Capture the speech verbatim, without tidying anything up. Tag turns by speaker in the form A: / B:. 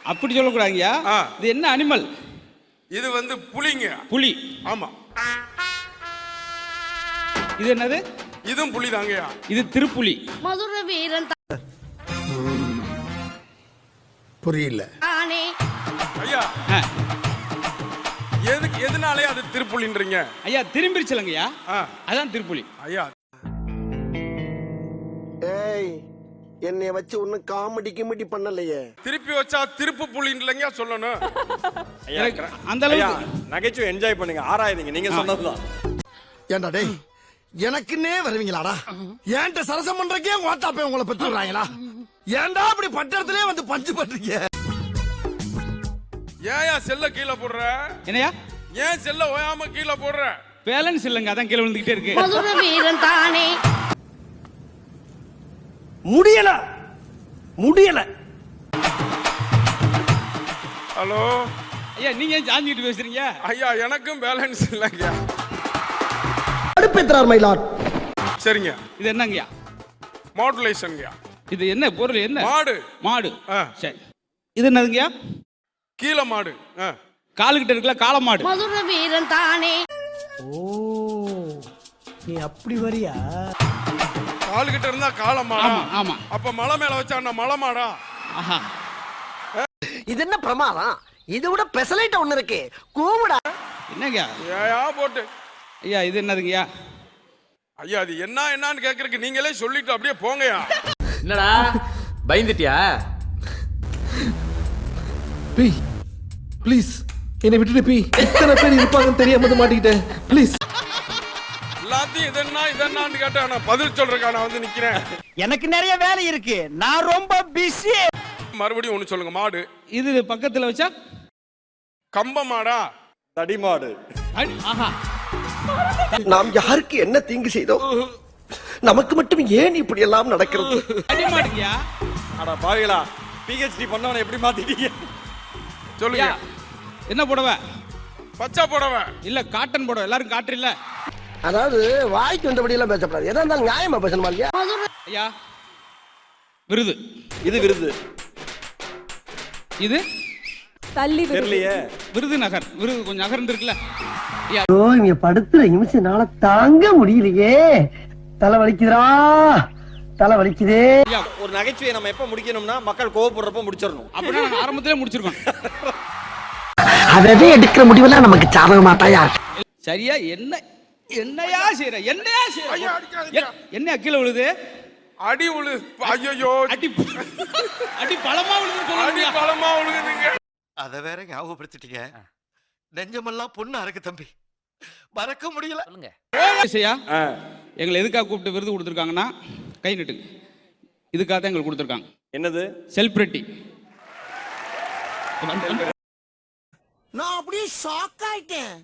A: அப்படி சொல்லக்கூடாதுங்கய்யா. இது என்ன அனிமல்?
B: இது வந்து புலிங்க.
A: புலி.
B: ஆமா.
A: இது என்னது?
B: இதுவும் புலி தாங்கய்யா.
A: இது திருப்புலி.
C: மதுர வீரன்
D: புரியல
B: ஐயா. எதுக்கு எதனாலே அது திருப்புலின்றீங்க?
A: ஐயா திரும்பிருச்சலங்கய்யா, அதான் திருப்புலி.
B: ஐயா
D: ஏய், என்னைய வச்சு ஒண்ணு காமெடி கிமெடி பண்ணலையே.
B: திருப்பி வச்சா திருப்பு புலின்றீங்க சொல்லணும்.
A: அந்த அளவுக்கு
E: நகைச்சுவை என்ஜாய் பண்ணுங்க, ஆராயுங்க. நீங்க சொன்னதுதான்.
D: ஏண்டா டேய், எனக்குன்னே வருவீங்களாடா? ஏன்ட்ட சரசம் பண்றக்கே ஓட்டாப்பே உங்களை பெற்று விடுறாங்களா? ஏன்டா அப்படி பட்டத்திலே வந்து பஞ்சு பண்றீங்க?
B: ஏயா செல்ல கீழே போடுற?
A: என்னையா?
B: ஏன் செல்ல ஓயாம கீழே போடுற?
A: பேலன்ஸ் இல்லங்க, அதான் கீழே விழுந்துகிட்டே இருக்கு.
C: மதுர வீரன் தானே.
E: முடியல முடியல.
B: ஹலோ
A: ஐயா, நீங்க ஏன் சாஞ்சிட்டு பேசுறீங்க?
B: ஐயா எனக்கும் பேலன்ஸ் இல்லைங்க.
D: அடுப்பேத்ரார் மயிலாட்.
B: சரிங்க.
A: இது என்னங்கய்யா?
B: மாடுலேஷன்ங்கய்யா.
A: இது என்ன பொருள்? என்ன?
B: மாடு.
A: மாடு. சரி. இது என்னதுங்கய்யா?
B: கீழ மாடு.
A: காலுகிட்ட இருக்கல காளை மாடு.
C: மதுர வீரன் தானே.
F: ஓ, நீ அப்படி வரியா?
B: காலுகிட்ட இருந்தா காளை மாடா?
A: ஆமா.
B: அப்ப மலை மேல வச்சா மலை மாடா?
A: ஆஹா.
D: இது என்ன பிரமாதம்? இது விட பெசலைட் ஒண்ணு இருக்கு, கூவுடா.
A: என்னங்கய்யா?
B: ஏயா போட்டு.
A: ஐயா இது என்னதுங்கய்யா?
B: ஐயா அது என்ன என்னன்னு கேக்குறதுக்கு நீங்களே சொல்லிட்டு அப்படியே போங்கயா.
G: என்னடா பயந்துட்டியா?
F: பி ப்ளீஸ் என்னை விட்டுட்டு பி. இத்தனை பேர் இருப்பாங்கன்னு தெரியாம மாட்டிக்கிட்டேன். ப்ளீஸ்.
B: எல்லாத்தையும் இதென்ன இதென்னு கேட்டா நான் பதில் சொல்றேன். நான் வந்து நிக்கிறேன்.
H: எனக்கு நிறைய வேலை இருக்கு, நான் ரொம்ப பிஸி.
B: மறுபடியும் ஒண்ணு சொல்லுங்க. மாடு.
A: இது பக்கத்துல வச்சா
B: கம்ப மாடா?
E: தடி மாடு.
A: ஆஹா.
D: நாம் யாருக்கு என்ன தீங்கு செய்தோம்? நமக்கு மட்டும் ஏன் இப்படி எல்லாம் நடக்கிறது?
A: அடி மாடுங்கய்யா.
E: அட பாவிகளா, பிஹெச்டி பண்ணவன எப்படி மாத்திட்டீங்க?
B: சொல்லுங்க.
A: என்ன புடவை?
B: பச்சை புடவை.
A: இல்ல காட்டன் புடவை. எல்லாரும் காட்டு இல்ல.
D: அதாவது வாய்க்கு வந்தபடி எல்லாம் பேசப்படாது, எதா இருந்தாலும் நியாயமா பேசணுமா இல்லையா?
A: ஐயா விருது.
E: இது விருது.
A: இது
I: தள்ளி
E: தெரியலையே.
A: விருது நகர். விருது கொஞ்சம் நகர்ந்து இருக்குல்ல.
H: ஓ, இங்க படுத்துற நிமிஷம்னால தாங்க முடியலையே. தலை வலிக்குதுடா, தலை வலிக்குதே.
E: ஒரு நகைச்சுவையை நம்ம எப்ப முடிக்கணும்னா மக்கள் கோவப்படுறப்ப முடிச்சிடணும்.
A: அப்படின்னா நாங்க ஆரம்பத்திலே முடிச்சிருக்கோம்.
H: அதவே எடுக்கிற முடிவெல்லாம் நமக்கு சாதகமா தாயா.
A: சரியா? என்ன என்னையா செய்யற? என்னையா செய்யற? என்ன கீழே விழுது?
B: அடி உழு. ஐயோ,
A: அடி அடி பலமா விழுது.
B: அடி பலமா விழுகுதுங்க.
D: அத வேற ஞாபகப்படுத்திட்டீங்க. நெஞ்சமெல்லாம் பொண்ணா இருக்கு தம்பி, மறக்க முடியல.
A: எங்களை எதுக்காக கூப்பிட்டு விருது கொடுத்துருக்காங்கன்னா, கை நட்டுங்க. இதுக்காக தான் எங்களுக்கு கொடுத்துருக்காங்க.
E: என்னது?
A: செலிபிரிட்டி.
D: நான் அப்படியே ஷாக் ஆயிட்டேன்.